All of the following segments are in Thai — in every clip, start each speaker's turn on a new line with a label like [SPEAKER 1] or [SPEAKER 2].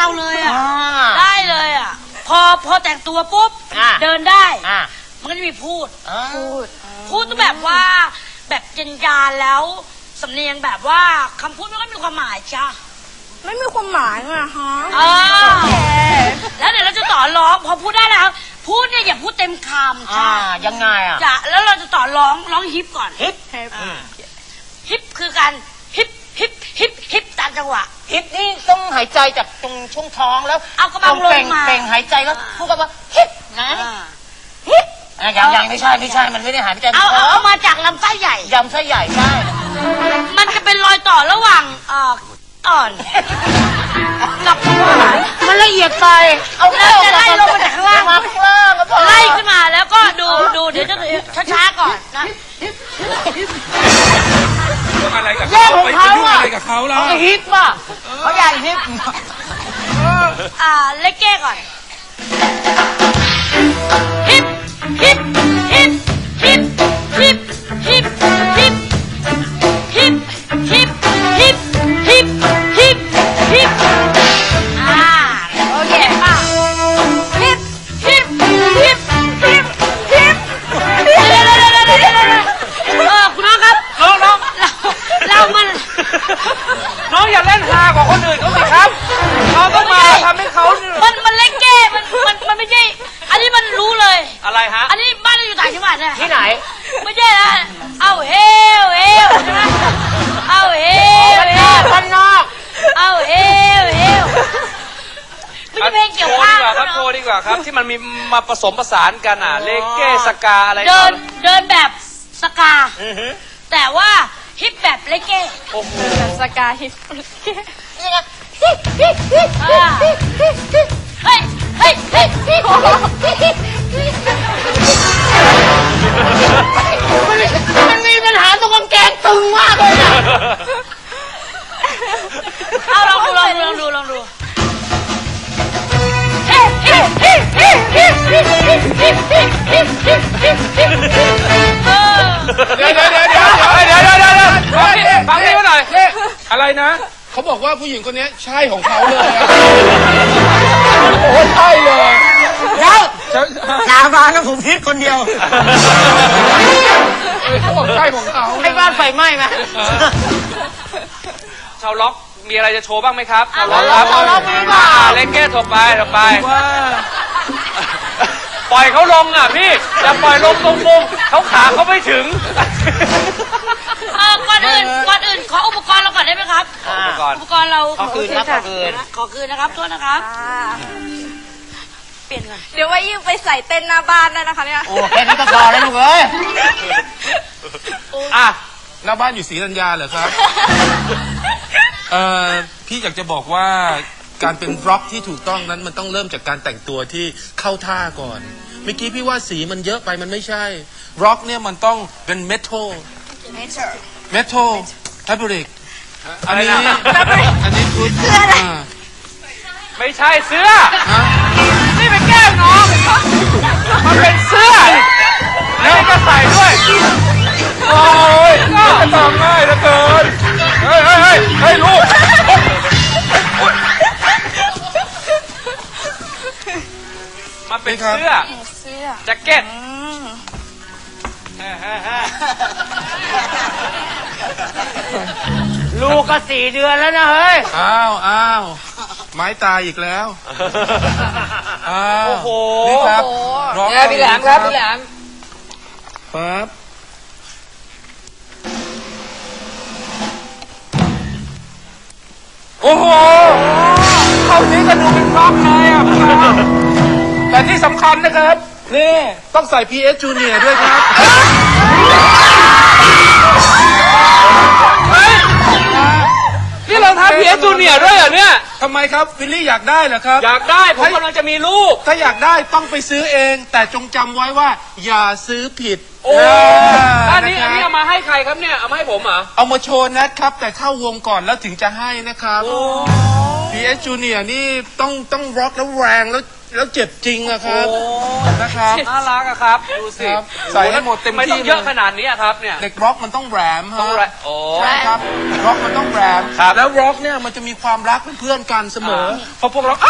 [SPEAKER 1] เราเลยอ่ะได้เลยอ่ะพอแต่งตัวปุ๊บเดินได้มันก็จะมีพูดต้องแบบว่าแบบเย็นยานแล้วสำเนียงแบบว่าคำพูดมันก็มีความหมายจ้ะ
[SPEAKER 2] ไม่มีความหมายอะฮะ
[SPEAKER 1] แล้วเดี๋ยวเราจะต่อร้องพอพูดได้แล้วพูดเนี่ยอย่าพูดเต็มคำจ้ะ
[SPEAKER 3] ยังไงอ่ะ
[SPEAKER 1] จ้ะแล้วเราจะต่อร้องฮิปก่อนฮิปคือการฮิปตามจังหวะ
[SPEAKER 3] ฮิปนี่ต้องหายใจจากตรงช่วงท้องแล้ว
[SPEAKER 1] เอากระบังลงมา
[SPEAKER 3] เป่งหายใจแล้วพูดกันว่าฮิปนะฮิปยังไม่ใช่มันไม่ได้หายใจ
[SPEAKER 1] เอามาจากลำไส้ใหญ่
[SPEAKER 3] ลำไส้ใหญ่ใช่
[SPEAKER 1] มันจะเป็นรอยต่อระหว่างอ่อนกับ
[SPEAKER 3] มันละเอียดไปเอา
[SPEAKER 1] แล้วจะไล่ลงมาจากข้างล่างไล่ขึ้นมาแล้วก็ดูเดี๋ยวจะช้าๆก่อนนะ
[SPEAKER 4] อะไรกับ
[SPEAKER 3] เขาไป
[SPEAKER 4] ยุ่งอะไรกับเขาล่ะ
[SPEAKER 3] เขาฮิปป่ะเขาอยากฮิป
[SPEAKER 1] เล็กเก้ก่อนฮิปฮิปฮิปฮิปฮิปฮิปฮิปฮิปฮิปฮิปฮิปฮิปฮิปโอเคป่ะฮิปฮิปฮิปฮิปฮิปคุณน้องครับ
[SPEAKER 4] น้องน้องอย่าเล่นฮากว่าคนอื่นเขาสิครับเราต้องมาทำให้เขา
[SPEAKER 1] มันเล็กเก้มันไม่ใช่อันนี้มันรู้เลย
[SPEAKER 4] อะไรฮะ
[SPEAKER 1] อันนี้บ้านเราอยู่ต่างจังหวัดเนี่ย
[SPEAKER 3] ที่ไหน
[SPEAKER 1] ไม่ใช่นะเอาเฮลใช่ไหมเอาเฮล
[SPEAKER 3] บ้านนอก
[SPEAKER 1] เอาเฮลไม่ใช่เพลงเกี่ยวข้าว
[SPEAKER 4] ครับโชว์ดีกว่าครับที่มันมีมาผสมผสานกันเลเก้สกาอะไร
[SPEAKER 1] เดินแบบสกาแต่ว่าฮิปแบบเลเก้
[SPEAKER 2] โอ้โหแบบสกาฮิป
[SPEAKER 1] นี่ไงเฮ้ย
[SPEAKER 3] มันมีปัญหาตรงกางเกงตึงมากเลยนะ
[SPEAKER 1] เอาลองดู
[SPEAKER 4] เดี๋ยวฟังนี่มาหน่อยอะไรนะ
[SPEAKER 5] เขาบอกว่าผู้หญิงคนนี้ใช่ของเขาเลยโอ้ใช่เลย
[SPEAKER 3] แล้วสาบานกับผมพิษคนเดียว
[SPEAKER 5] เขาบอกใช่ของเขา
[SPEAKER 3] ให้บ้านไฟไหม้ไหม
[SPEAKER 4] ชาวล็อกมีอะไรจะโชว์บ้างไหมครับ
[SPEAKER 1] ชาวล็อกมีป่ะ
[SPEAKER 4] เล็กเก้ถกไปปล่อยเขาลงอ่ะพี่อย่าปล่อยลงตรงมุมเขาขาเขาไม่ถึง
[SPEAKER 1] ก่อนอื่นขออุปกรณ์เราก่อนได้ไหมครับอุปกรณ์เรา
[SPEAKER 3] ขอคืนนะครับ
[SPEAKER 1] โทษนะครับเปลี่ยนก่อน
[SPEAKER 2] เดี๋ยวว่ายิ่งไปใส่เต้นหน้าบ้านได้นะคะเนี่ย
[SPEAKER 3] โอ้แค่นี้ก็พอแล้วลูกเอ้ย
[SPEAKER 5] หน้าบ้านอยู่ศรีธัญญาเหรอครับพี่อยากจะบอกว่าการเป็นร็อกที่ถูกต้องนั้นมันต้องเริ่มจากการแต่งตัวที่เข้าท่าก่อนเมื่อกี้พี่ว่าสีมันเยอะไปมันไม่ใช่ร็อกเนี่ยมันต้องเป็นเมทัลแฟบริกอันนี้คือเสื้อ
[SPEAKER 4] ไม่ใช่เสื้อนี่เป็นแก้มน้องมันเป็นเสื้อแล้วก็ใส่ด้วยโอ้ยจะทำง่ายเหลือเกินเฮ้ยลูกมันเป็นเสื้อแจ็คเก็ต
[SPEAKER 3] ลูกก็4 เดือนแล้วนะเฮ้ย
[SPEAKER 5] อ้าวไม้ตายอีกแล้ว
[SPEAKER 4] โอ้โห
[SPEAKER 5] นี่ครับ
[SPEAKER 3] เนี่ยพี่แหลมครับพี่แหลม
[SPEAKER 5] ปั๊บ
[SPEAKER 4] โอ้โหเข้านี้ก็ดูเป็นร็อกเลยอ่ะแต่ที่สำคัญนะครับ
[SPEAKER 5] นี่ต้องใส่ PS Junior ด้วยครับ
[SPEAKER 4] นี่เราทำ PS Junior ด้วยเหรอเนี่ย
[SPEAKER 5] ทำไมครับวิลลี่อยากได้เหรอครับ
[SPEAKER 4] อยากได้ผมกำลังจะมีลูก
[SPEAKER 5] ถ้าอยากได้ต้องไปซื้อเองแต่จงจำไว้ว่าอย่าซื้อผิด
[SPEAKER 4] โอ้อันนี้เอามาให้ใครครับเนี่ยเอามาให้ผมเหรอ
[SPEAKER 5] เอามาโชว์นะครับแต่เข้าวงก่อนแล้วถึงจะให้นะครับPS Junior นี่ต้องร็อกแล้วแรงแล้วแล้วเจ็บจริงอะครับนะครับ
[SPEAKER 4] น่ารักอะครับ ดูสิ
[SPEAKER 5] ครับใส่ให้หมดเต็มที่
[SPEAKER 4] ไม่ต้องเยอะขนาดนี้อะครับเนี่ย
[SPEAKER 5] เด็กร็อกมันต้องแรมฮะ
[SPEAKER 4] ต้องแรโอ้
[SPEAKER 5] ใช่ครับร็อกมันต้องแรม
[SPEAKER 4] ครับ
[SPEAKER 5] แล้วร็อกเนี่ยมันจะมีความรักเป็นเพื่อนกันเสมอ
[SPEAKER 4] พอพวกเรา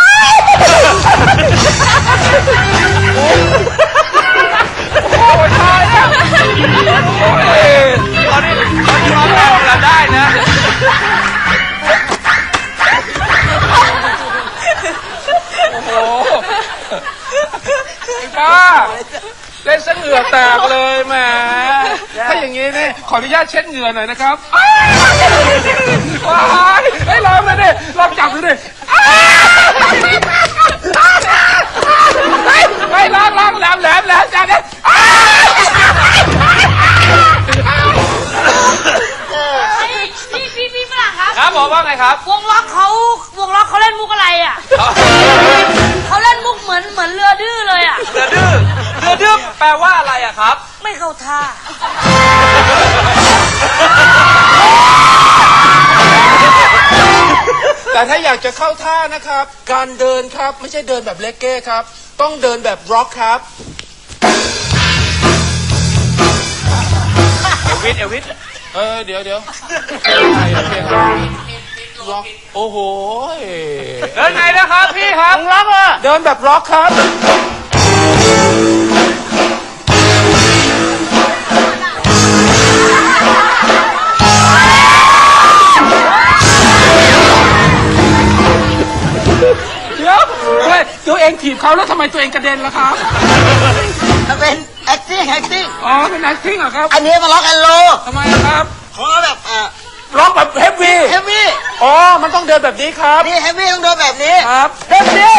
[SPEAKER 4] โอ้ยตายแล้วโอ้ยตอนนี้ร้องแรงเราได้นะโอ้โหไอ้ป้าเล่นซะเหงื่อแตกเลยแหมถ้าอย่างนี้นี่ขออนุญาตเช็ดเหงื่อหน่อยนะครับว้ายให้ลองเลยดิลองจับดูดิไปล้างแหลมจับดิ
[SPEAKER 1] พี่ฝรั่งครับ
[SPEAKER 4] ครับผมว่าไงครับ
[SPEAKER 1] วงล็อกเขาเล่นมุกอะไรอ่ะเขาเล่นมุกเหมือนเรือดื้อเลยอ่ะ
[SPEAKER 4] เรือดื้อแปลว่าอะไรอะครับ
[SPEAKER 1] ไม่เข้าท่า
[SPEAKER 5] แต่ถ้าอยากจะเข้าท่านะครับการเดินครับไม่ใช่เดินแบบเลกเก้ครับต้องเดินแบบร็อกครับ
[SPEAKER 4] เอลวิส
[SPEAKER 5] เดี๋ยวร็อกโอ้โห
[SPEAKER 4] เดินไงนะครับพี่ครับล็อกอ่ะ
[SPEAKER 5] เดินแบบร็อกครับเดี๋ยวตัวเองถีบเขาแล้วทำไมตัวเองกระเด็นล่ะครับ
[SPEAKER 3] มันเป็น acting
[SPEAKER 5] อ๋อเป็น acting เหรอครับ
[SPEAKER 3] อันนี้มาล็อกแอนโล
[SPEAKER 5] ทำไมอะครับ
[SPEAKER 3] ขอแบบ
[SPEAKER 5] ร็อกแบบเฮฟวี่
[SPEAKER 3] เฮฟวี่
[SPEAKER 5] อ๋อมันต้องเดินแบบนี้ครับ
[SPEAKER 3] นี่เฮฟวี่ต้องโดนแบบนี้
[SPEAKER 5] ครับเฮฟวี่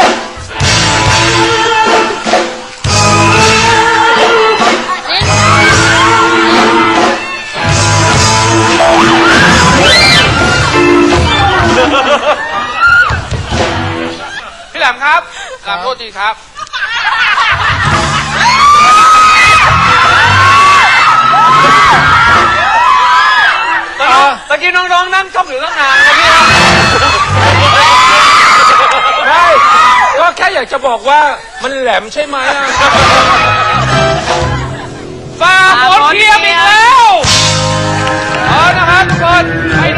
[SPEAKER 4] พี่แหลมครับแหลมโทษทีครับตะกี้น้องๆนั่งชมอยู่ตั้งนานนะพี่ครับ
[SPEAKER 5] ได้ก็แค่อยากจะบอกว่ามันแหลมใช่ไหมอะ
[SPEAKER 4] ฝากกดเทียมอีกแล้วเอานะครับทุกคนไป